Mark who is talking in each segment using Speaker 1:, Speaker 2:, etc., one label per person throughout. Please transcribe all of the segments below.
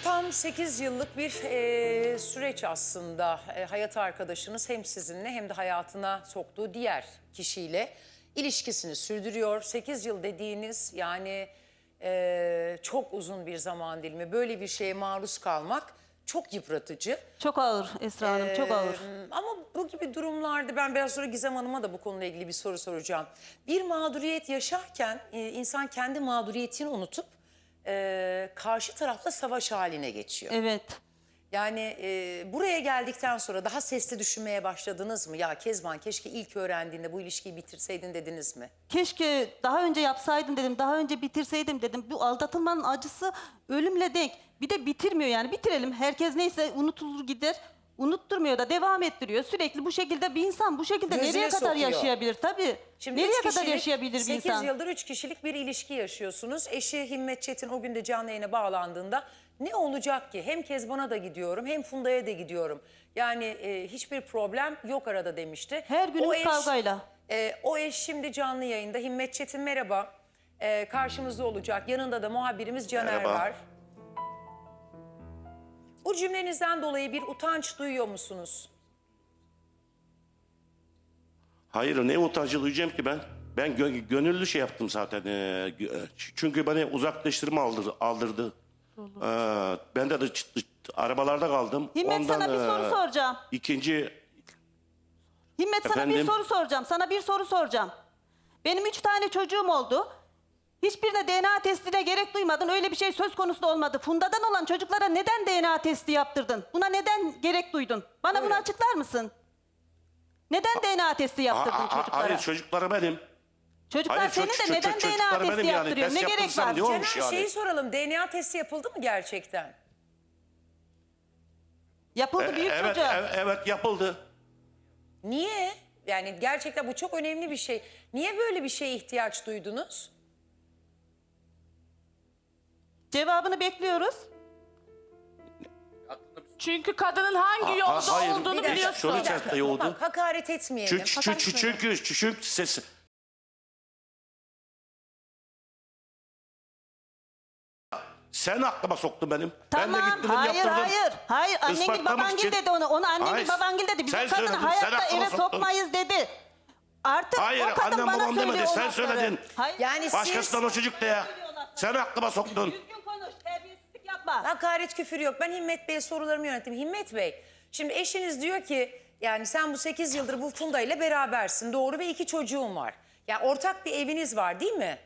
Speaker 1: Tam 8 yıllık bir süreç aslında. Hayat arkadaşınız hem sizinle hem de hayatına soktuğu diğer kişiyle ilişkisini sürdürüyor. 8 yıl dediğiniz yani çok uzun bir zaman dilimi. Böyle bir şeye maruz kalmak çok yıpratıcı.
Speaker 2: Çok ağır Esra Hanım, çok ağır.
Speaker 1: Ama bu gibi durumlarda ben biraz sonra Gizem Hanım'a da bu konuyla ilgili bir soru soracağım. Bir mağduriyet yaşarken insan kendi mağduriyetini unutup karşı tarafla savaş haline geçiyor.
Speaker 2: Evet.
Speaker 1: Yani buraya geldikten sonra daha sesli düşünmeye başladınız mı? Ya Kezban keşke ilk öğrendiğinde bu ilişkiyi bitirseydin dediniz mi?
Speaker 2: Keşke daha önce yapsaydım dedim, daha önce bitirseydim dedim. Bu aldatılmanın acısı ölümle denk. Bir de bitirmiyor yani, bitirelim. Herkes neyse unutulur gider. Unutturmuyor da devam ettiriyor. Sürekli bu şekilde bir insan bu şekilde
Speaker 1: Gözüne
Speaker 2: nereye kadar
Speaker 1: sokuyor.
Speaker 2: yaşayabilir? Tabii.
Speaker 1: Şimdi
Speaker 2: Nereye
Speaker 1: üç
Speaker 2: kadar
Speaker 1: kişilik,
Speaker 2: yaşayabilir bir
Speaker 1: 8
Speaker 2: insan?
Speaker 1: yıldır 3 kişilik bir ilişki yaşıyorsunuz. Eşi Himmet Çetin o gün de canlı yayına bağlandığında ne olacak ki? Hem Kezban'a da gidiyorum hem Funda'ya da gidiyorum. Yani hiçbir problem yok arada demişti.
Speaker 2: Her günümüz
Speaker 1: O eş,
Speaker 2: kavgayla.
Speaker 1: O eş şimdi canlı yayında. Himmet Çetin merhaba. Karşımızda olacak. Yanında da muhabirimiz Caner
Speaker 3: Merhaba.
Speaker 1: var. Bu cümlenizden dolayı bir utanç duyuyor musunuz?
Speaker 3: Hayır, ne utancı duyacağım ki ben? Ben gönüllü şey yaptım zaten. Çünkü beni uzaklaştırma aldırdı. Ben de arabalarda kaldım.
Speaker 2: Himmet,
Speaker 3: Ondan,
Speaker 2: sana bir soru soracağım.
Speaker 3: İkinci
Speaker 2: Himmet, sana bir
Speaker 3: Efendim?
Speaker 2: soru soracağım. Sana bir soru soracağım. Benim 3 tane çocuğum oldu. Hiçbirine DNA testine gerek duymadın. Öyle bir şey söz konusu da olmadı. Funda'dan olan çocuklara neden DNA testi yaptırdın? Buna neden gerek duydun? Bana bunu açıklar mısın? Neden DNA testi yaptırdın çocuklara?
Speaker 3: hayır, çocukları benim.
Speaker 2: Çocuklar
Speaker 3: Hayır,
Speaker 2: senin de neden
Speaker 3: çocukları
Speaker 2: DNA
Speaker 3: benim
Speaker 2: testi
Speaker 3: yani.
Speaker 2: yaptırıyor?
Speaker 3: Test
Speaker 2: Ne gerek
Speaker 3: yaptırsam
Speaker 2: var?
Speaker 3: ne olmuş
Speaker 1: Caner
Speaker 3: yani?
Speaker 1: şeyi soralım. DNA testi yapıldı mı gerçekten?
Speaker 2: Yapıldı büyük
Speaker 3: Evet,
Speaker 2: çocuğa.
Speaker 3: evet yapıldı.
Speaker 1: Niye? Yani gerçekten bu çok önemli bir şey. Niye böyle bir şeye ihtiyaç duydunuz?
Speaker 2: Cevabını bekliyoruz.
Speaker 4: Çünkü kadının hangi yolda
Speaker 3: hayır.
Speaker 4: olduğunu
Speaker 3: Bir dakika,
Speaker 4: biliyorsun.
Speaker 3: soru içerisinde yoğurdu.
Speaker 1: Bak, hakaret etmeyelim.
Speaker 3: Çünkü ses... Sen aklıma soktun benim. Ben de
Speaker 2: Tamam,
Speaker 3: gittim
Speaker 2: hayır,
Speaker 3: yaptırdım.
Speaker 2: hayır. Annengil
Speaker 3: Ispatlamak
Speaker 2: babangil
Speaker 3: için.
Speaker 2: dedi onu. Onu annengil
Speaker 3: Hayır.
Speaker 2: babangil dedi. Biz
Speaker 3: Sen
Speaker 2: o kadını
Speaker 3: söyledin, sen
Speaker 2: hayatta
Speaker 3: aklıma
Speaker 2: eve
Speaker 3: soktun.
Speaker 2: sokmayız dedi. Artık
Speaker 3: Hayır,
Speaker 2: o kadın
Speaker 3: annem
Speaker 2: bana
Speaker 3: babam
Speaker 2: söylüyor
Speaker 3: demedi,
Speaker 2: o
Speaker 3: sen
Speaker 2: lafları.
Speaker 3: söyledin.
Speaker 2: Hayır.
Speaker 1: Yani
Speaker 3: Başkasından o çocuk de ya. Sen aklıma soktun.
Speaker 2: Düzgün konuş, terbiyesizlik yapma.
Speaker 1: Hakaret küfür yok. Ben Himmet Bey'e sorularımı yönettim. Himmet Bey, şimdi eşiniz diyor ki yani sen bu 8 yıldır bu Funda ile berabersin. Doğru ve 2 çocuğun var. Yani ortak bir eviniz var değil mi?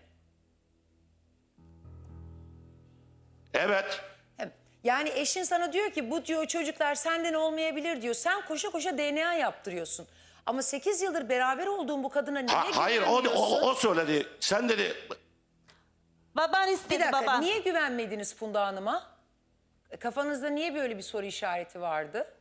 Speaker 3: Evet.
Speaker 1: Yani eşin sana diyor ki bu diyor çocuklar senden olmayabilir diyor. Sen koşa koşa DNA yaptırıyorsun. Ama 8 yıldır beraber olduğun bu kadına niye
Speaker 3: Hayır,
Speaker 1: güvenmiyorsun?
Speaker 3: o söyledi. Sen dedi.
Speaker 2: Baban
Speaker 1: Bir
Speaker 2: istedi
Speaker 1: dakika,
Speaker 2: baban.
Speaker 1: niye güvenmediniz Funda Hanım'a? Kafanızda niye böyle bir soru işareti vardı?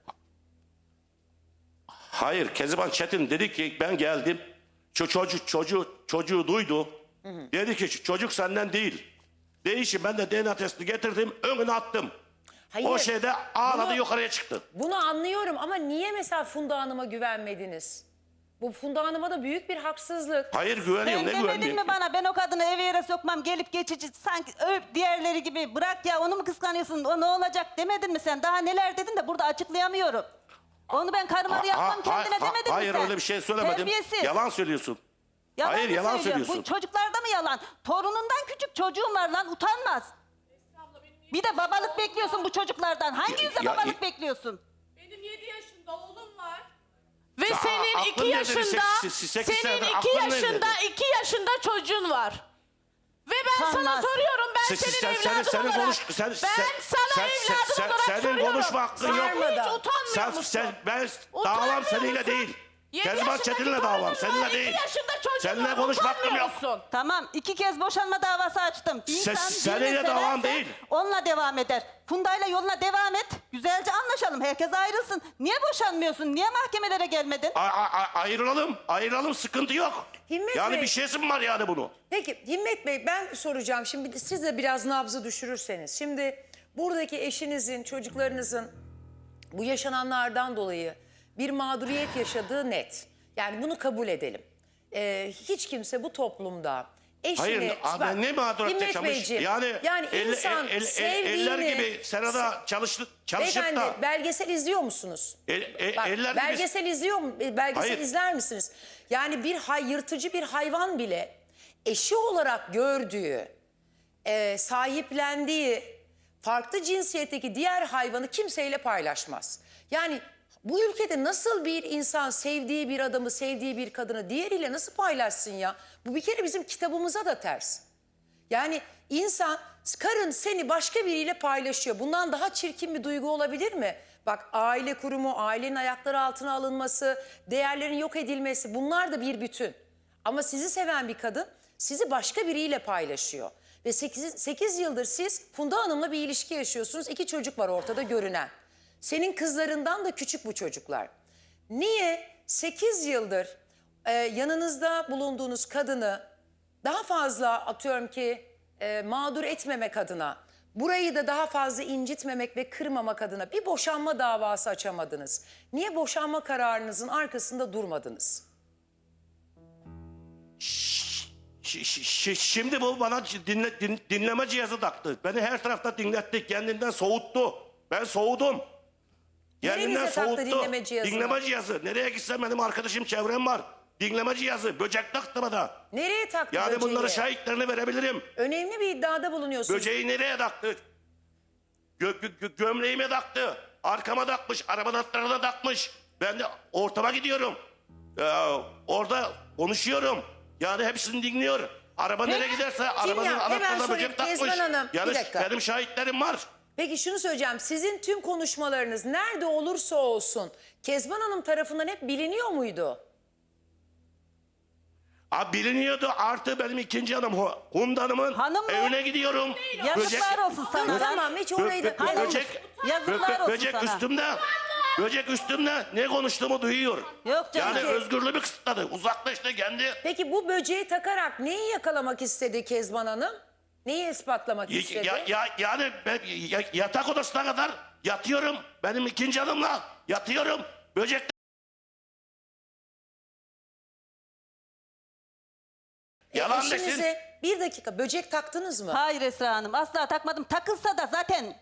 Speaker 3: Hayır, Kezban Çetin dedi ki ben geldim. Çocuğu duydu. Dedi ki çocuk senden değil. Değişim, ben de DNA testini getirdim, önüne attım.
Speaker 1: Hayır,
Speaker 3: O şeyde ağladı,
Speaker 1: bunu-
Speaker 3: yukarıya çıktı.
Speaker 1: Bunu anlıyorum ama niye mesela Funda Hanım'a güvenmediniz? Bu Funda Hanım'a da büyük bir haksızlık.
Speaker 3: Hayır, güveniyorum,
Speaker 2: Sen
Speaker 3: ne
Speaker 2: demedin
Speaker 3: güvenmiyorum
Speaker 2: mi
Speaker 3: ki?
Speaker 2: bana ben o kadını eve yere sokmam, gelip geçici sanki diğerleri gibi, bırak ya onu mu kıskanıyorsun, o ne olacak demedin mi sen? Daha neler dedin de burada açıklayamıyorum. Onu ben karıma da yapmam kendine demedin mi
Speaker 3: hayır,
Speaker 2: sen?
Speaker 3: öyle bir şey söylemedim.
Speaker 2: Terbiyesiz.
Speaker 3: Yalan söylüyorsun. Hayır,
Speaker 2: mı
Speaker 3: yalan
Speaker 2: söylüyorum?
Speaker 3: söylüyorsun.
Speaker 2: Bu çocuklarda mı yalan? Torunundan küçük çocuğun var lan, utanmaz. Bir de babalık bekliyorsun bu çocuklardan. Hangi yüzle
Speaker 3: ya-
Speaker 2: babalık bekliyorsun?
Speaker 4: Benim 7 yaşında oğlum var. Ve
Speaker 3: Ya,
Speaker 4: senin
Speaker 3: aklın
Speaker 4: 2
Speaker 3: nerede?
Speaker 4: yaşında,
Speaker 3: Sekiz
Speaker 4: senin
Speaker 3: senedir
Speaker 4: 2
Speaker 3: aklın nerede?
Speaker 4: yaşında, 2 yaşında çocuğun var. Ve ben sana
Speaker 2: Utanmaz.
Speaker 4: soruyorum, ben senin evladın olarak, ben sana evladım olarak
Speaker 3: senin
Speaker 4: soruyorum.
Speaker 3: konuşma hakkın
Speaker 4: Sen
Speaker 3: yok.
Speaker 4: hiç utanmıyor musun?
Speaker 3: Ben
Speaker 4: Utanmıyor
Speaker 3: davam
Speaker 4: musun?
Speaker 3: seninle değil.
Speaker 4: 7
Speaker 3: Kezban
Speaker 4: yaşındaki
Speaker 3: Çetin'le
Speaker 4: torunun
Speaker 3: davam,
Speaker 4: var,
Speaker 3: seninle
Speaker 4: 2
Speaker 3: değil.
Speaker 4: yaşında çocuğun
Speaker 3: Seninle
Speaker 4: var,
Speaker 3: konuşma hakkım
Speaker 4: utanmıyor
Speaker 3: yok.
Speaker 4: musun?
Speaker 2: Tamam, 2 kez boşanma davası açtım. Bir insan
Speaker 3: Seninle
Speaker 2: birini
Speaker 3: devam
Speaker 2: severse
Speaker 3: değil.
Speaker 2: onunla devam eder. Funda'yla yoluna devam et. Güzelce anlaşalım. Herkes ayrılsın. Niye boşanmıyorsun? Niye mahkemelere gelmedin?
Speaker 3: Ayrılalım, sıkıntı yok.
Speaker 1: Himmet
Speaker 3: Yani
Speaker 1: Bey-
Speaker 3: bir şeysi mi var yani bunu?
Speaker 1: Peki Himmet Bey ben soracağım. Şimdi siz de biraz nabzı düşürürseniz. Şimdi buradaki eşinizin, çocuklarınızın bu yaşananlardan dolayı bir mağduriyet yaşadığı net. Yani bunu kabul edelim. Hiç kimse bu toplumda eşini...
Speaker 3: Hayır,
Speaker 1: bak,
Speaker 3: ben ne mağduriyet
Speaker 1: Himmet
Speaker 3: yaşamış?
Speaker 1: Beyciğim,
Speaker 3: Yani,
Speaker 1: insan
Speaker 3: eller
Speaker 1: sevdiğini...
Speaker 3: gibi Serada çalışıp
Speaker 1: Beyefendi
Speaker 3: da
Speaker 1: belgesel izliyor musunuz? Bak,
Speaker 3: eller gibi...
Speaker 1: belgesel izliyor mu? Belgesel
Speaker 3: Hayır.
Speaker 1: izler misiniz? Yani bir yırtıcı bir hayvan bile eşi olarak gördüğü, sahiplendiği farklı cinsiyetteki diğer hayvanı kimseyle paylaşmaz. Yani bu ülkede nasıl bir insan sevdiği bir adamı, sevdiği bir kadını diğeriyle nasıl paylaşsın ya? Bu bir kere bizim kitabımıza da ters. Yani insan, karın seni başka biriyle paylaşıyor. Bundan daha çirkin bir duygu olabilir mi? Bak, aile kurumu, ailenin ayakları altına alınması, değerlerin yok edilmesi, bunlar da bir bütün. Ama sizi seven bir kadın sizi başka biriyle paylaşıyor. Ve 8 yıldır siz Funda Hanım'la bir ilişki yaşıyorsunuz. 2 çocuk var ortada görünen. Senin kızlarından da küçük bu çocuklar. Niye 8 yıldır yanınızda bulunduğunuz kadını daha fazla, atıyorum ki mağdur etmemek adına, burayı da daha fazla incitmemek ve kırmamak adına bir boşanma davası açamadınız? Niye boşanma kararınızın arkasında durmadınız?
Speaker 3: Şimdi bu bana dinleme cihazı taktı. Beni her tarafta dinletti. Kendinden soğuttu. Ben soğudum. Kendinden
Speaker 1: Nerenize taktı
Speaker 3: soğuttu.
Speaker 1: dinleme cihazını?
Speaker 3: Dinleme cihazı. Nereye gitsem benim arkadaşım, çevrem var. Dinleme cihazı. Böcek taktı bana.
Speaker 1: Nereye taktı
Speaker 3: Yani
Speaker 1: böceği?
Speaker 3: bunları şahitlerini verebilirim.
Speaker 1: Önemli bir iddiada bulunuyorsunuz.
Speaker 3: Böceği nereye taktı? Gömleğime taktı. Arkama takmış. Arabanın altlarına takmış. Ben de ortama gidiyorum. Orada konuşuyorum. Yani hepsini dinliyor. Araba nereye giderse arabanın
Speaker 1: ya? Hemen
Speaker 3: anahtarına
Speaker 1: sorayım,
Speaker 3: böcek takmış.
Speaker 1: Kezban Hanım, bir
Speaker 3: Yani
Speaker 1: dakika.
Speaker 3: benim şahitlerim var.
Speaker 1: Peki şunu söyleyeceğim. Sizin tüm konuşmalarınız nerede olursa olsun Kezban Hanım tarafından hep biliniyor muydu?
Speaker 3: Biliniyordu, artı benim ikinci hanım Funda Hanım'ın
Speaker 2: Hanım mı?
Speaker 3: evine gidiyorum.
Speaker 2: Yazıklar olsun sana.
Speaker 1: Tamam, hiç orayı da...
Speaker 2: Hanım,
Speaker 3: Böcek,
Speaker 2: yazıklar olsun
Speaker 3: böcek
Speaker 2: sana.
Speaker 3: üstümde. Böcek üstümde ne konuştuğumu duyuyor.
Speaker 2: Yok canım.
Speaker 3: Yani özgürlüğümü kısıtladı. Uzaklaştı kendi.
Speaker 1: Peki bu böceği takarak neyi yakalamak istedi Kezban Hanım? Neyi ispatlamak istedi?
Speaker 3: Yani ben yatak odasına kadar yatıyorum. Benim ikinci hanımla yatıyorum. Böcek yalan desin.
Speaker 1: Eşinize bir dakika böcek taktınız mı?
Speaker 2: Hayır Esra Hanım, asla takmadım. Takılsa da zaten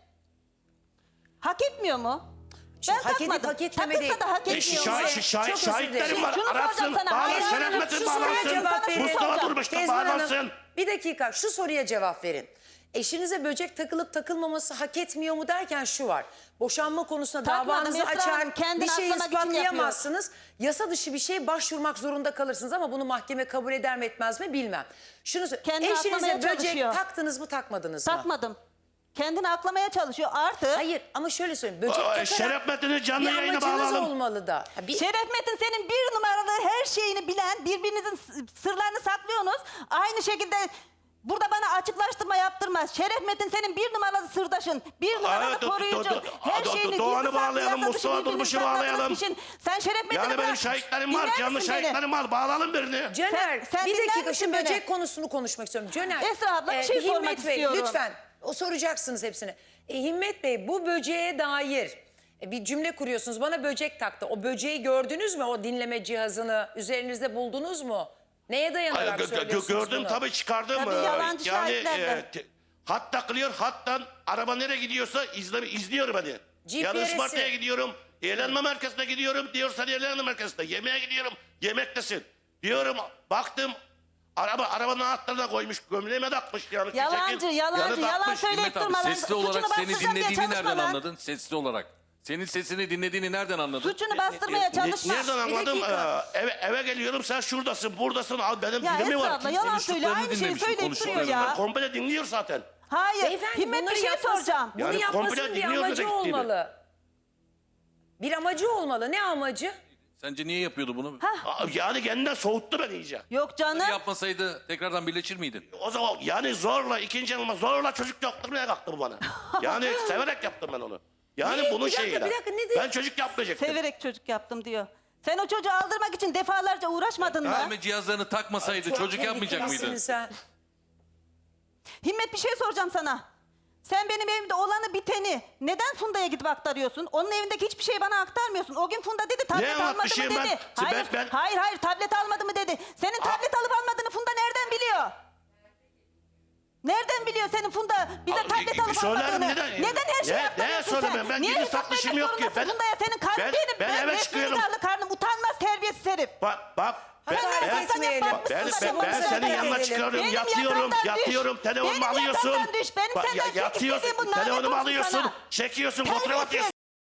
Speaker 2: hak etmiyor mu?
Speaker 1: Şimdi
Speaker 2: Ben
Speaker 1: hak edip
Speaker 2: takmadım.
Speaker 1: hak etmeme
Speaker 2: Takılsa
Speaker 1: değil.
Speaker 2: da hak etmiyor mu?
Speaker 1: Çok özür dilerim.
Speaker 3: Şahitlerim var.
Speaker 2: Şunu
Speaker 3: Aratsın.
Speaker 2: soracağım sana.
Speaker 3: Bağlansın.
Speaker 2: Hayır,
Speaker 3: Şerefmetin
Speaker 1: şu soruya
Speaker 3: bağlansın.
Speaker 1: cevap verin.
Speaker 3: Mustafa
Speaker 2: Soracağım.
Speaker 3: Durmuş'ta
Speaker 1: Kezban Hanım,
Speaker 3: bağlansın.
Speaker 1: bir dakika şu soruya cevap verin. Eşinize böcek takılıp takılmaması hak etmiyor mu derken şu var. Boşanma konusunda
Speaker 2: Takmadım
Speaker 1: davanızı
Speaker 2: Esra Hanım,
Speaker 1: açar,
Speaker 2: kendini
Speaker 1: bir şey
Speaker 2: aklamak için
Speaker 1: ispatlayamazsınız. Yasa dışı bir şeye başvurmak zorunda kalırsınız ama bunu mahkeme kabul eder mi etmez mi bilmem. Şunu
Speaker 2: Kendini
Speaker 1: eşinize
Speaker 2: aklamaya
Speaker 1: böcek
Speaker 2: çalışıyor.
Speaker 1: taktınız mı takmadınız mı?
Speaker 2: Takmadım. Kendini aklamaya çalışıyor. Artı
Speaker 1: Hayır ama şöyle söyleyeyim. Böcek takarak
Speaker 3: Şerefmetin'i canlı
Speaker 1: bir
Speaker 3: yayına
Speaker 1: amacınız
Speaker 3: bağlayalım.
Speaker 1: olmalı da.
Speaker 2: Şeref Metin senin bir numaralı her şeyini bilen, birbirinizin sırlarını saklıyorsunuz. Aynı şekilde burada bana açıklaştırma yaptırmaz. Şeref Metin senin bir numaralı sırdaşın, bir numaralı koruyucu. Her şeyini
Speaker 3: Doğan'ı
Speaker 2: gizli saklı,
Speaker 3: bağlayalım,
Speaker 2: yasa dışı
Speaker 3: Mustafa
Speaker 2: birbirini
Speaker 3: Durmuş'u
Speaker 2: sakladığınız
Speaker 3: bağlayalım.
Speaker 2: için Sen Şeref Metin'i
Speaker 3: Yani benim
Speaker 2: bırak.
Speaker 3: şahitlerim var.
Speaker 2: Dinler
Speaker 3: Canlı
Speaker 2: misin beni?
Speaker 3: şahitlerim var. Bağlayalım birini.
Speaker 1: Caner
Speaker 2: Sen
Speaker 1: bir
Speaker 2: dinler
Speaker 1: dakika
Speaker 2: misin
Speaker 1: şu
Speaker 2: beni?
Speaker 1: böcek konusunu konuşmak istiyorum. Caner.
Speaker 2: Esra abla, bir şey sormak
Speaker 1: Himmet Bey,
Speaker 2: istiyorum.
Speaker 1: lütfen. O soracaksınız hepsini. Himmet Bey bu böceğe dair bir cümle kuruyorsunuz. Bana böcek taktı. O böceği gördünüz mü? O dinleme cihazını üzerinizde buldunuz mu? Neye dayanarak söylüyorsunuz
Speaker 3: Gördüm
Speaker 1: bunu?
Speaker 3: tabii çıkardım.
Speaker 2: Tabii, yalancı şahitler de.
Speaker 3: Hat takılıyor. Hattan araba nereye gidiyorsa izliyor beni. Yani
Speaker 1: GPS'i.
Speaker 3: Isparta'ya gidiyorum. Eğlenme merkezine gidiyorum. Diyorsan eğlenme merkezine. Yemeğe gidiyorum. Yemektesin. Diyorum baktım. Arabanın anahtarına koymuş. Gömleğime takmış. Yani
Speaker 2: Yalancı, yalan
Speaker 3: takmış.
Speaker 2: söyleyip
Speaker 5: Himmet abi
Speaker 2: durma lan.
Speaker 5: sesli olarak
Speaker 2: Suçunu
Speaker 5: seni
Speaker 2: bastırsam diye
Speaker 5: dinlediğini
Speaker 2: çalışma
Speaker 5: nereden
Speaker 2: lan.
Speaker 5: anladın? Sesli olarak. Senin sesini dinlediğini nereden anladın?
Speaker 2: Suçunu bastırmaya çalışma.
Speaker 3: Nereden anladım?
Speaker 1: dakika.
Speaker 3: Eve geliyorum. Sen şuradasın, buradasın. Al benim
Speaker 2: Ya
Speaker 3: dilimi
Speaker 2: Esra
Speaker 3: var.
Speaker 2: abla yalan söyle.
Speaker 5: konuştuklarını
Speaker 2: Aynı şeyi
Speaker 5: dinlemişim,
Speaker 2: söyleyip duruyor
Speaker 5: konuştuklarını.
Speaker 2: ya.
Speaker 3: Komple dinliyor zaten.
Speaker 2: Hayır.
Speaker 1: Beyefendi
Speaker 2: Himmet bir
Speaker 1: bunları
Speaker 2: şey
Speaker 1: yapmasın.
Speaker 2: soracağım.
Speaker 1: Bunu
Speaker 3: Yani
Speaker 1: yapmasın
Speaker 3: komple
Speaker 1: bir
Speaker 3: dinliyor
Speaker 1: amacı
Speaker 3: demek gibi.
Speaker 1: olmalı. Bir amacı olmalı. Ne amacı?
Speaker 5: Sence niye yapıyordu bunu?
Speaker 3: Yani kendinden soğuttu beni iyice.
Speaker 2: Yok canım.
Speaker 5: Yapmasaydı tekrardan birleşir miydin?
Speaker 3: O zaman yani zorla ikinci yanıma zorla çocuk yaptırmaya kalktı bu bana. Yani severek yaptım ben onu. Yani
Speaker 1: Ne?
Speaker 3: bunun
Speaker 1: Bir dakika,
Speaker 3: şeyiyle.
Speaker 1: bir dakika, ne diyor?
Speaker 3: Ben çocuk yapmayacaktım.
Speaker 2: Severek çocuk yaptım diyor. Sen o çocuğu aldırmak için defalarca uğraşmadın mı?
Speaker 5: Dinleme cihazlarını takmasaydı çocuk yapmayacak
Speaker 1: tehlikelisin
Speaker 5: mıydın?
Speaker 1: Sen.
Speaker 2: Himmet bir şey soracağım sana. Sen benim evimde olanı biteni neden Funda'ya gidip aktarıyorsun? Onun evindeki hiçbir şey bana aktarmıyorsun. O gün Funda dedi tablet almadı mı
Speaker 3: anlatmışım ben?
Speaker 2: dedi. Hayır,
Speaker 3: Ben-
Speaker 2: hayır tablet almadı mı dedi. Senin tablet alıp almadığını Funda nereden biliyor? Nereden biliyor senin Funda bize
Speaker 3: Abi,
Speaker 2: tablet alıp
Speaker 3: söylerim,
Speaker 2: almadığını?
Speaker 3: neden?
Speaker 2: Neden her şeyi
Speaker 3: Neye
Speaker 2: yaptırıyorsun sen?
Speaker 3: söylemem? Ben
Speaker 2: Niye
Speaker 3: gizli
Speaker 2: hesap
Speaker 3: saklı işim
Speaker 2: vermek
Speaker 3: yok ki.
Speaker 2: zorundasın Funda'ya? Senin karnın
Speaker 3: ben eve
Speaker 2: resmini
Speaker 3: çıkıyorum.
Speaker 2: darlı karnım. Utanmaz terbiyesiz herif.
Speaker 3: Bak
Speaker 1: Hadi
Speaker 3: ben
Speaker 1: etmeyelim.
Speaker 3: ben senin yanına çıkıyorum,
Speaker 2: Benim
Speaker 3: yatıyorum,
Speaker 2: yakamdan düş.
Speaker 3: telefonumu
Speaker 2: Benim
Speaker 3: alıyorsun.
Speaker 2: yakamdan düş. Benim
Speaker 3: Bak,
Speaker 2: senden tek
Speaker 3: yatıyorsun,
Speaker 2: istediğim bu, lanet
Speaker 3: telefonumu
Speaker 2: olsun
Speaker 3: alıyorsun,
Speaker 2: sana.
Speaker 3: çekiyorsun,
Speaker 2: Terbiyesiz.
Speaker 3: fotoğraf atıyorsun.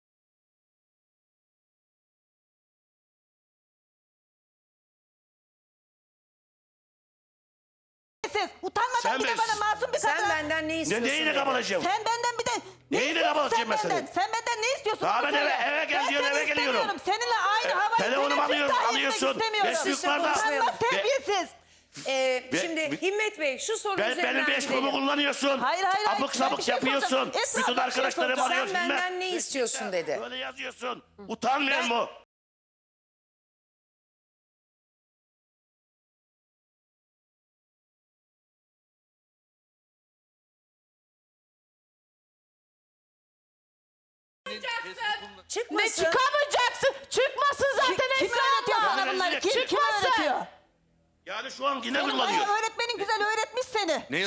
Speaker 2: Utanmadan
Speaker 3: Sen
Speaker 2: bir de
Speaker 3: ben-
Speaker 2: bana masum bir kadına.
Speaker 1: Sen benden ne istiyorsun?
Speaker 3: Neyine
Speaker 1: dedi.
Speaker 3: kabalacağım?
Speaker 2: Sen benden bir de ne
Speaker 3: Neyine
Speaker 2: istiyorsun
Speaker 3: kabalacağım ben
Speaker 2: sen benden?
Speaker 3: senin?
Speaker 2: Sen benden ne istiyorsun?
Speaker 3: Daha
Speaker 2: onu
Speaker 3: ben
Speaker 2: söyle.
Speaker 3: eve gel
Speaker 2: Ben
Speaker 3: diyorum,
Speaker 2: seni
Speaker 3: eve geliyorum.
Speaker 2: istemiyorum. Seninle aynı havayı
Speaker 3: telefonumu alıyorsun.
Speaker 2: istemiyorum.
Speaker 3: Beş yukarıda-
Speaker 2: Utanmaz terbiyesiz.
Speaker 1: Şimdi Himmet Bey şu soru
Speaker 3: Benim
Speaker 1: üzerinden
Speaker 3: Facebook'umu
Speaker 1: gidelim.
Speaker 3: kullanıyorsun.
Speaker 2: Hayır, hayır, hayır.
Speaker 3: Abuk
Speaker 2: Ben
Speaker 3: sabuk
Speaker 2: bir şey
Speaker 3: yapıyorsun.
Speaker 2: soracağım. Esra
Speaker 3: Bütün
Speaker 2: abla bir şey
Speaker 3: arkadaşlarım
Speaker 2: soracağım.
Speaker 3: arıyor.
Speaker 1: Sen benden ne istiyorsun dedi.
Speaker 3: Böyle yazıyorsun. Utanmıyor mu?
Speaker 1: Çıkmasın.
Speaker 4: Ne çıkamayacaksın? Çıkmasın zaten
Speaker 2: Kim
Speaker 4: Esra
Speaker 2: öğretiyor
Speaker 4: abla.
Speaker 2: sana bunları? Kim
Speaker 4: Çıkmasın.
Speaker 2: öğretiyor?
Speaker 3: Yani şu an yine
Speaker 2: Senin
Speaker 3: kullanıyor.
Speaker 2: bayağı öğretmenin güzel öğretmiş seni.
Speaker 5: Ne?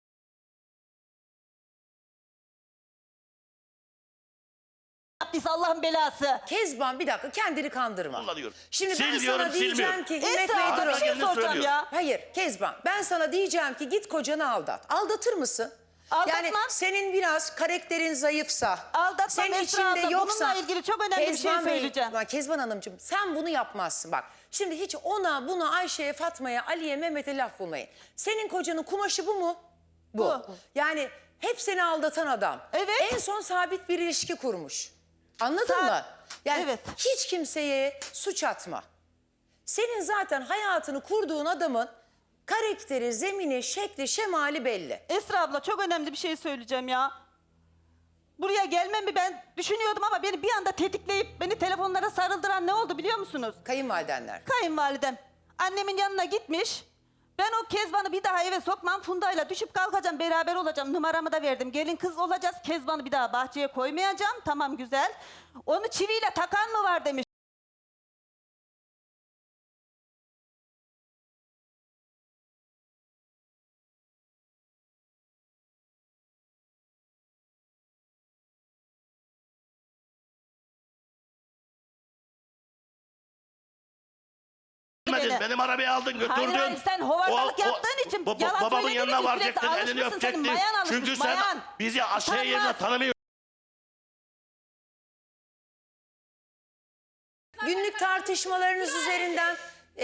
Speaker 2: Biz Allah'ın belası.
Speaker 1: Kezban bir dakika kendini kandırma.
Speaker 3: Kullanıyorum.
Speaker 1: Şimdi
Speaker 3: Sil
Speaker 1: ben
Speaker 3: diyorum,
Speaker 1: sana diyeceğim
Speaker 3: silmiyorum.
Speaker 1: ki Himmet
Speaker 2: Esra
Speaker 1: Bey
Speaker 2: abla
Speaker 1: durun.
Speaker 2: bir şey
Speaker 3: Kendini
Speaker 2: soracağım
Speaker 3: söylüyor.
Speaker 2: ya.
Speaker 1: Hayır Kezban ben sana diyeceğim ki git kocanı aldat. Aldatır mısın?
Speaker 2: Aldatmam.
Speaker 1: Yani senin biraz karakterin zayıfsa,
Speaker 2: Aldatmam
Speaker 1: senin
Speaker 2: Esra
Speaker 1: içinde
Speaker 2: abla.
Speaker 1: yoksa...
Speaker 2: Bununla ilgili çok önemli bir şey
Speaker 1: Kezban Bey,
Speaker 2: söyleyeceğim.
Speaker 1: Ama Kezban Hanımcığım sen bunu yapmazsın bak. Şimdi hiç ona, buna, Ayşe'ye, Fatma'ya, Ali'ye, Mehmet'e laf bulmayın. Senin kocanın kumaşı bu mu?
Speaker 2: Bu.
Speaker 1: Yani hep seni aldatan adam.
Speaker 2: Evet.
Speaker 1: En son sabit bir ilişki kurmuş. Anladın mı? Yani
Speaker 2: Evet.
Speaker 1: hiç kimseye suç atma. Senin zaten hayatını kurduğun adamın karakteri, zemini, şekli, şemali belli.
Speaker 2: Esra abla çok önemli bir şey söyleyeceğim ya. Buraya gelmemi ben düşünüyordum ama beni bir anda tetikleyip beni telefonlara sarıldıran ne oldu biliyor musunuz?
Speaker 1: Kayınvalidenler.
Speaker 2: Kayınvalidem annemin yanına gitmiş. Ben o Kezban'ı bir daha eve sokmam. Funda'yla düşüp kalkacağım, beraber olacağım. Numaramı da verdim. Gelin kız olacağız. Kezban'ı bir daha bahçeye koymayacağım. Tamam güzel. Onu çiviyle takan mı var demiş.
Speaker 3: Gitmedin, benim arabayı aldın götürdün.
Speaker 2: Hayır, hayır, sen hovardalık yaptığın için yalan
Speaker 3: babamın
Speaker 2: söylediğin
Speaker 3: yanına
Speaker 2: için
Speaker 3: varacaktın,
Speaker 2: sürekli
Speaker 3: elini
Speaker 2: alışmışsın, senin
Speaker 3: öpecektin.
Speaker 2: mayan alışmış,
Speaker 3: Çünkü sen
Speaker 2: mayan.
Speaker 3: bizi aşağı yerine
Speaker 2: Utanmaz.
Speaker 3: tanımıyorsun.
Speaker 1: Günlük tartışmalarınız üzerinden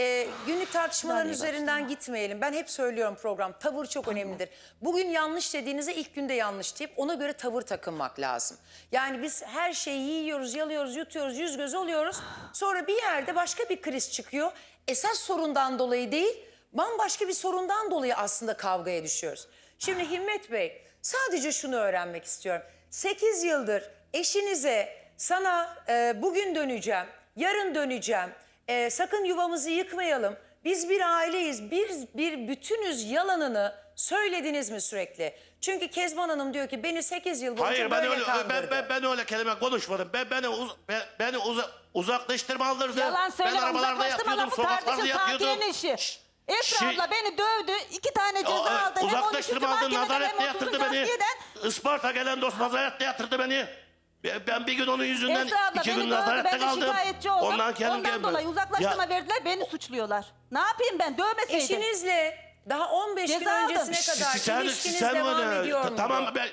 Speaker 1: gitmeyelim. Ben hep söylüyorum program tavır çok önemlidir. Bugün yanlış dediğinize ilk günde yanlış deyip ona göre tavır takınmak lazım. Yani biz her şeyi yiyoruz, yalıyoruz, yutuyoruz, yüz göz oluyoruz. Sonra bir yerde başka bir kriz çıkıyor. Esas sorundan dolayı değil, bambaşka bir sorundan dolayı aslında kavgaya düşüyoruz. Şimdi Himmet Bey sadece şunu öğrenmek istiyorum. 8 yıldır eşinize sana bugün döneceğim, yarın döneceğim. Sakın yuvamızı yıkmayalım. Biz bir aileyiz, bir bütünüz yalanını söylediniz mi sürekli? Çünkü Kezban Hanım diyor ki beni 8 yıl boyunca
Speaker 3: Hayır
Speaker 1: böyle kandırdı.
Speaker 3: ben öyle kelime konuşmadım. Beni uzaklaştırma aldırdı.
Speaker 2: Yalan söyleme,
Speaker 3: Ben arabalarda
Speaker 2: uzaklaştırma
Speaker 3: yatıyordum,
Speaker 2: lafı
Speaker 3: sokaklarda
Speaker 2: tartışın,
Speaker 3: yatıyordum.
Speaker 2: Sakiye'nin işi. Esra
Speaker 3: Şey-
Speaker 2: abla beni dövdü, 2 tane ceza aldı. Hem 13.
Speaker 3: Uzaklaştırma aldın,
Speaker 2: mahkemeden
Speaker 3: nazarette
Speaker 2: hem
Speaker 3: yatırdı
Speaker 2: 30.
Speaker 3: beni.
Speaker 2: adliyeden.
Speaker 3: Isparta gelen dost nazarette yatırdı beni. Ben bir gün onun yüzünden
Speaker 2: Esra abla
Speaker 3: 2
Speaker 2: beni
Speaker 3: gün
Speaker 2: dövdü,
Speaker 3: nazarette
Speaker 2: ben de
Speaker 3: kaldım.
Speaker 2: şikayetçi oldum.
Speaker 3: Ondan
Speaker 2: Ondan dolayı uzaklaştırma verdiler, beni suçluyorlar. Ne yapayım ben, dövmeseydim.
Speaker 1: Eşinizle daha 15 gün
Speaker 2: Ceza aldım.
Speaker 1: öncesine kadar ilişkiniz devam ediyor muydu?
Speaker 3: Tamam ben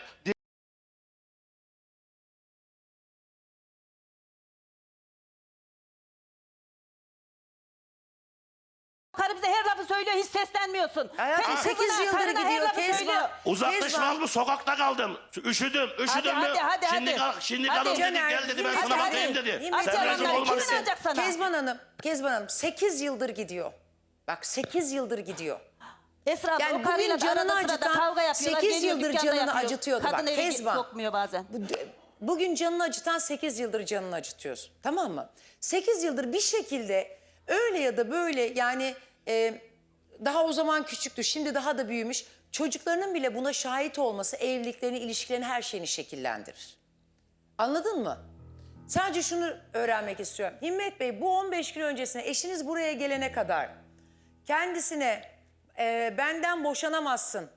Speaker 2: Karı bize her lafı söylüyor, hiç seslenmiyorsun.
Speaker 1: Hayatım,
Speaker 2: Senin
Speaker 1: 8
Speaker 2: kızına,
Speaker 1: yıldır
Speaker 2: karına her
Speaker 1: gidiyor
Speaker 2: lafı
Speaker 1: Kezban.
Speaker 2: söylüyor.
Speaker 3: uzaklaşmaz mı, sokakta kaldım. Üşüdüm mü? Şimdi
Speaker 2: Hadi.
Speaker 3: kalın dedi,
Speaker 1: Caner,
Speaker 3: gel dedi, ben
Speaker 1: hadi,
Speaker 3: sana
Speaker 1: hadi.
Speaker 3: bakayım dedi.
Speaker 1: Himmet
Speaker 2: Aç
Speaker 3: Sen
Speaker 2: yalanları,
Speaker 3: rezil
Speaker 2: kimin
Speaker 3: olmalısın.
Speaker 2: alacak sana?
Speaker 1: Kezban Hanım 8 yıldır gidiyor. Bak 8 yıldır gidiyor.
Speaker 2: Esra abla
Speaker 1: Yani
Speaker 2: o karıyla
Speaker 1: bugün
Speaker 2: da
Speaker 1: canını
Speaker 2: arada sırada
Speaker 1: acıtan,
Speaker 2: kavga yapıyorlar.
Speaker 1: 8
Speaker 2: geliyor,
Speaker 1: yıldır
Speaker 2: dükkanda
Speaker 1: canını
Speaker 2: yapıyor.
Speaker 1: acıtıyordu.
Speaker 2: Kadın
Speaker 1: Bak,
Speaker 2: eve
Speaker 1: Kezban.
Speaker 2: sokmuyor bazen.
Speaker 1: Bugün canını acıtan 8 yıldır canını acıtıyorsun. Tamam mı? 8 yıldır bir şekilde öyle ya da böyle yani daha o zaman küçüktü, şimdi daha da büyümüş. Çocuklarının bile buna şahit olması evliliklerini, ilişkilerini, her şeyini şekillendirir. Anladın mı? Sadece şunu öğrenmek istiyorum. Himmet Bey bu 15 gün öncesine eşiniz buraya gelene kadar kendisine benden boşanamazsın,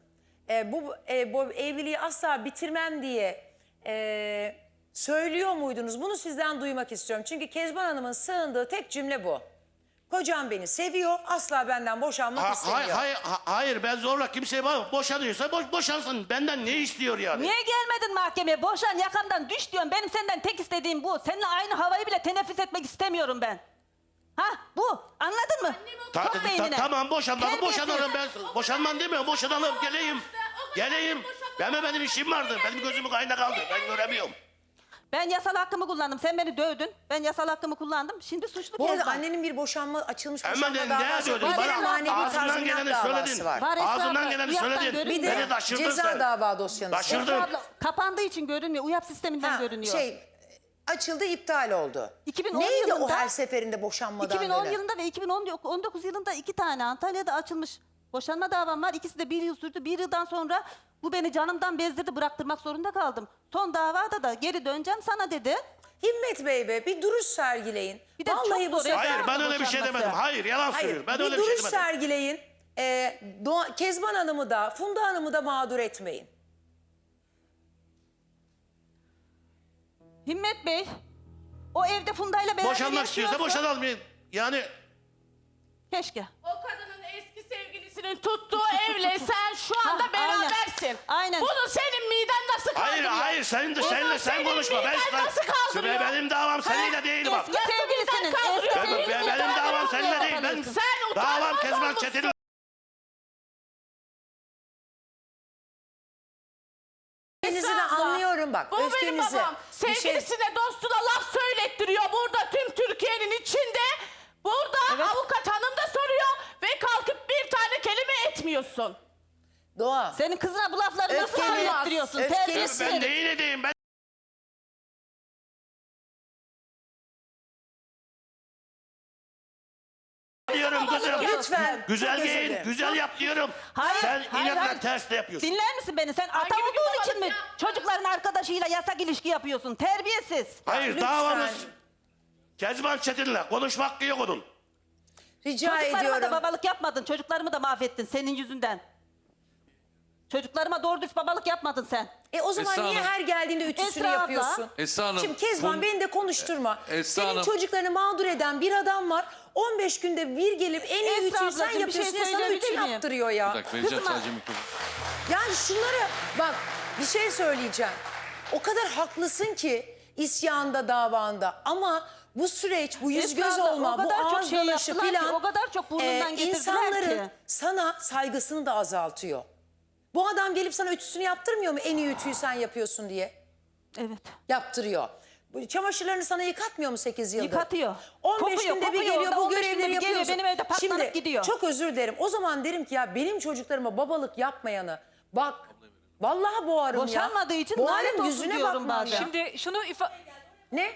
Speaker 1: bu evliliği asla bitirmem diye söylüyor muydunuz? Bunu sizden duymak istiyorum. Çünkü Kezban Hanım'ın sığındığı tek cümle bu. Kocam beni seviyor, asla benden boşanmak istemiyor.
Speaker 3: Hayır, ben zorla kimseye boşanıyorsa boşansın. Benden ne istiyor yani?
Speaker 2: Niye gelmedin mahkemeye? Boşan, yakamdan düş diyorum. Benim senden tek istediğim bu. Seninle aynı havayı bile teneffüs etmek istemiyorum ben. Ha bu. Anladın mı? Sok beynine.
Speaker 3: Tamam, boşanalım,
Speaker 2: Terbiyesiz.
Speaker 3: boşanalım. Ben boşanmam demiyorum, boşanalım, geleyim. Benim işim vardı. Benim gözümün kayna kaldı. Ben göremiyorum.
Speaker 2: Ben yasal hakkımı kullandım. Sen beni dövdün. Ben yasal hakkımı kullandım. Şimdi suçlu
Speaker 1: Bu arada
Speaker 2: Kezban.
Speaker 1: annenin bir açılmış
Speaker 3: Hemen
Speaker 1: boşanma
Speaker 3: de ne
Speaker 1: davası
Speaker 3: diyordun?
Speaker 1: var. Bir de
Speaker 3: Bana
Speaker 1: manevi
Speaker 3: ağzından
Speaker 1: tazminat
Speaker 3: geleni
Speaker 1: davası
Speaker 3: söyledin.
Speaker 1: var.
Speaker 2: Var Esra
Speaker 3: Ağzından
Speaker 2: abla,
Speaker 3: geleni
Speaker 2: uyaktan
Speaker 3: söyledin.
Speaker 2: görünüyor.
Speaker 1: Bir de
Speaker 3: Beni taşırdın
Speaker 1: ceza
Speaker 3: sen.
Speaker 1: dava dosyanız var.
Speaker 3: Taşırdın.
Speaker 2: Esra abla, kapandığı için görünmüyor. UYAP sisteminden görünüyor.
Speaker 1: Açıldı, iptal oldu.
Speaker 2: 2010
Speaker 1: Neydi o
Speaker 2: yılında-
Speaker 1: her seferinde boşanmadan
Speaker 2: 2010
Speaker 1: dönen?
Speaker 2: yılında ve 2019 yılında 2 tane Antalya'da açılmış boşanma davam var. İkisi de 1 yıl sürdü. 1 yıldan sonra bu beni canımdan bezdirdi, bıraktırmak zorunda kaldım. Son davada da geri döneceğim sana dedi.
Speaker 1: Himmet Bey be, bir duruş sergileyin.
Speaker 2: Bir de
Speaker 1: Vallahi
Speaker 2: çok
Speaker 1: bu
Speaker 2: zor
Speaker 1: sefer...
Speaker 3: Hayır, ben öyle bir şey
Speaker 2: boşanması.
Speaker 3: demedim. Hayır, yalan söylüyor. Ben
Speaker 1: bir
Speaker 3: öyle bir şey
Speaker 1: duruş
Speaker 3: demedim.
Speaker 1: sergileyin. Kezban Hanım'ı da Funda Hanım'ı da mağdur etmeyin.
Speaker 2: Himmet Bey, o evde Funda'yla beraber
Speaker 3: Boşanmak istiyorsa
Speaker 2: yaşıyorsa-
Speaker 3: boşanalım. Yani
Speaker 2: Keşke.
Speaker 4: O kadının eski sevgilisinin tuttuğu evle sen şu anda
Speaker 2: Ha, aynen.
Speaker 4: berabersin.
Speaker 2: Aynen.
Speaker 4: Bunu senin miden nasıl kaldırıyor?
Speaker 3: hayır, seninle sen
Speaker 4: senin
Speaker 3: konuşma.
Speaker 4: miden nasıl kaldırıyor?
Speaker 3: Benim davam seninle değil bak.
Speaker 2: Eski sevgilisinin, eski sevgilisinin
Speaker 3: Benim davam seninle değil. Ben
Speaker 4: Sen
Speaker 3: davam
Speaker 4: utanmaz
Speaker 3: Kezban
Speaker 4: olmuşsun.
Speaker 3: Çetin'le.
Speaker 1: Öfkenizi de
Speaker 4: Esra abla,
Speaker 1: anlıyorum bak.
Speaker 4: Bu benim
Speaker 1: öfkenizi.
Speaker 4: babam.
Speaker 1: Bir şey-
Speaker 4: Sevgilisine dostuna laf söylettiriyor burada tüm Türkiye'nin içinde. Burada avukat hanım da soruyor ve kalkıp bir tane kelime etmiyorsun.
Speaker 1: Doğa.
Speaker 2: Senin kızına bu lafları nasıl
Speaker 1: Öfkeni-
Speaker 2: anlattırıyorsun?
Speaker 1: öfkeni-
Speaker 2: Terbiyesiz.
Speaker 3: Ben neyin edeyim? Ben diyorum kızım.
Speaker 1: Lütfen.
Speaker 3: Güzel
Speaker 1: Çok özür
Speaker 3: giyin,
Speaker 1: dilerim.
Speaker 3: güzel yap diyorum.
Speaker 2: Hayır,
Speaker 3: Sen
Speaker 2: hayır,
Speaker 3: inatla
Speaker 2: hayır.
Speaker 3: ters de yapıyorsun.
Speaker 2: Dinler misin beni? Sen ata
Speaker 4: gibi bir
Speaker 2: olduğun için mi
Speaker 4: babalık yaptın?
Speaker 2: çocukların arkadaşıyla yasak ilişki yapıyorsun? Terbiyesiz.
Speaker 3: Hayır,
Speaker 1: lütfen.
Speaker 3: davamız Kezban Çetin'le. Konuşma hakkı yok onun.
Speaker 1: Rica
Speaker 2: Çocuklarıma
Speaker 1: ediyorum.
Speaker 2: da babalık yapmadın. Çocuklarımı da mahvettin senin yüzünden. Çocuklarıma doğru düz babalık yapmadın sen.
Speaker 1: O zaman
Speaker 5: Esra
Speaker 1: niye
Speaker 5: Hanım.
Speaker 1: her geldiğinde ütüsünü
Speaker 2: Esra abla.
Speaker 1: yapıyorsun?
Speaker 5: Esra Hanım,
Speaker 1: Şimdi Kezban
Speaker 5: Fun-
Speaker 1: beni de konuşturma.
Speaker 5: Esra
Speaker 1: Senin
Speaker 5: Hanım.
Speaker 1: çocuklarını mağdur eden bir adam var. 15 günde bir gelip en iyi
Speaker 2: Esra
Speaker 1: ütüyü sen
Speaker 2: ablacığım, bir şey
Speaker 1: yapıyorsun. sana
Speaker 2: söyleyebilir
Speaker 1: ütü
Speaker 2: miyim?
Speaker 1: yaptırıyor
Speaker 5: Bir
Speaker 1: ya.
Speaker 5: dakika vereceğim
Speaker 2: Kızıma-
Speaker 5: sadece mikrofonu.
Speaker 1: Yani şunları bak bir şey söyleyeceğim. O kadar haklısın ki isyanda davanda ama bu süreç, bu yüz
Speaker 2: Esra
Speaker 1: göz
Speaker 2: abla,
Speaker 1: olma,
Speaker 2: o
Speaker 1: bu
Speaker 2: kadar çok
Speaker 1: ağız
Speaker 2: şey
Speaker 1: dalaşı
Speaker 2: yaptılar ki,
Speaker 1: filan
Speaker 2: o kadar çok burnundan getirdiler
Speaker 1: insanların
Speaker 2: ki.
Speaker 1: sana saygısını da azaltıyor. Bu adam gelip sana ütüsünü yaptırmıyor mu en iyi ütüyü sen yapıyorsun diye?
Speaker 2: Evet.
Speaker 1: Yaptırıyor. Bu çamaşırlarını sana yıkatmıyor mu 8 yıldır?
Speaker 2: Yıkatıyor.
Speaker 1: 15
Speaker 2: Kopuyor,
Speaker 1: günde bir
Speaker 2: kopuyor.
Speaker 1: geliyor bu
Speaker 2: 15 günde
Speaker 1: görevleri
Speaker 2: bir geliyor,
Speaker 1: yapıyorsun.
Speaker 2: benim evde patlanıp
Speaker 1: Şimdi,
Speaker 2: gidiyor.
Speaker 1: çok özür dilerim. O zaman derim ki ya benim çocuklarıma babalık yapmayanı bak vallahi boğarım ya.
Speaker 2: Boşanmadığı için
Speaker 1: Boğarım,
Speaker 2: lanet olsun
Speaker 1: yüzüne
Speaker 2: diyorum
Speaker 1: bakmam
Speaker 2: bazen.
Speaker 1: ya.
Speaker 6: Şimdi şunu
Speaker 1: Ne?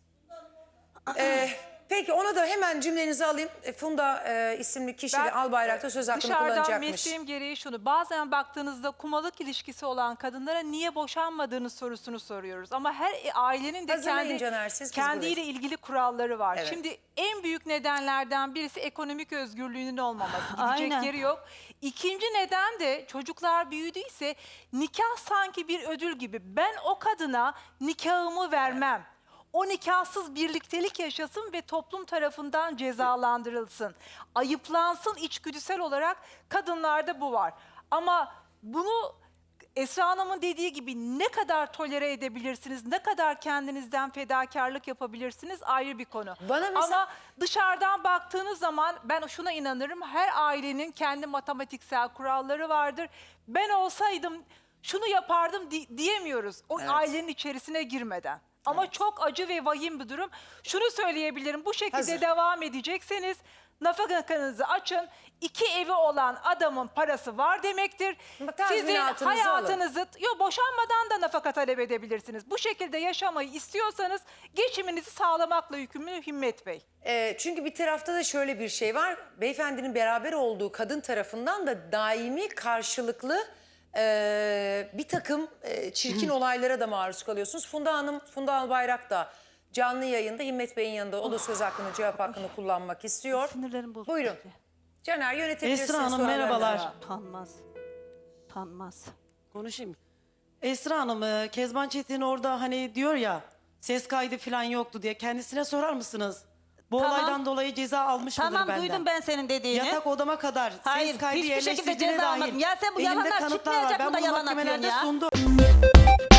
Speaker 1: Peki ona da hemen cümlenizi alayım. Funda isimli kişi de Albayrak'ta söz hakkını
Speaker 6: dışarıdan
Speaker 1: kullanacakmış.
Speaker 6: mesleğim gereği şunu. Bazen baktığınızda kumalık ilişkisi olan kadınlara niye boşanmadığınız sorusunu soruyoruz. Ama her ailenin de
Speaker 1: Hazırlayın Caner, siz, biz
Speaker 6: kendiyle
Speaker 1: buradayız.
Speaker 6: ilgili kuralları var.
Speaker 1: Evet.
Speaker 6: Şimdi en büyük nedenlerden birisi ekonomik özgürlüğünün olmaması. Gidecek
Speaker 2: Aynen.
Speaker 6: yeri yok. İkinci neden de çocuklar büyüdüyse nikah sanki bir ödül gibi. Ben o kadına nikahımı vermem. O nikahsız birliktelik yaşasın ve toplum tarafından cezalandırılsın. Ayıplansın içgüdüsel olarak kadınlarda bu var. Ama bunu Esra Hanım'ın dediği gibi ne kadar tolere edebilirsiniz, ne kadar kendinizden fedakarlık yapabilirsiniz ayrı bir konu.
Speaker 1: Bana mesela-
Speaker 6: Ama dışarıdan baktığınız zaman ben şuna inanırım. Her ailenin kendi matematiksel kuralları vardır. Ben olsaydım şunu yapardım diyemiyoruz. O ailenin içerisine girmeden. Ama çok acı ve vahim bir durum. Şunu söyleyebilirim. Bu şekilde
Speaker 1: Hazır.
Speaker 6: devam edecekseniz nafakanızı açın. 2 evi olan adamın parası var demektir.
Speaker 1: Bak,
Speaker 6: Sizin
Speaker 1: tazminatınızı
Speaker 6: hayatınızı boşanmadan da nafaka talep edebilirsiniz. Bu şekilde yaşamayı istiyorsanız geçiminizi sağlamakla yükümlü Himmet Bey.
Speaker 1: Çünkü bir tarafta da şöyle bir şey var. Beyefendinin beraber olduğu kadın tarafından da daimi karşılıklı bir takım çirkin olaylara da maruz kalıyorsunuz. Funda Hanım, Funda Albayrak da canlı yayında Himmet Bey'in yanında o da söz hakkını, cevap hakkını kullanmak istiyor.
Speaker 2: Sinirlerim bozuldu.
Speaker 1: Buyurun. Caner yönetebilirsiniz.
Speaker 7: Esra Hanım
Speaker 1: sorularınızı.
Speaker 7: merhabalar.
Speaker 2: Utanmaz. Utanmaz.
Speaker 7: Konuşayım. Esra Hanım, Kezban Çetin orada hani diyor ya ses kaydı falan yoktu diye. Kendisine sorar mısınız? Bu
Speaker 2: Tamam.
Speaker 7: olaydan dolayı ceza almış mıdır
Speaker 2: Tamam
Speaker 7: benden?
Speaker 2: duydum ben senin dediğini.
Speaker 7: Yatak odama kadar
Speaker 2: Hayır,
Speaker 7: ses kaydı
Speaker 2: hiçbir şekilde
Speaker 7: yerleştirdiğine
Speaker 2: ceza
Speaker 7: dahil
Speaker 2: almadım. Ya sen bu
Speaker 7: elimde
Speaker 2: yalanlar
Speaker 7: kanıtlar
Speaker 2: çıkmayacak
Speaker 7: var.
Speaker 2: mı da
Speaker 7: Ben bunu
Speaker 2: yalan atıyorsun
Speaker 7: mahkemelerde
Speaker 2: ya?
Speaker 7: sundum.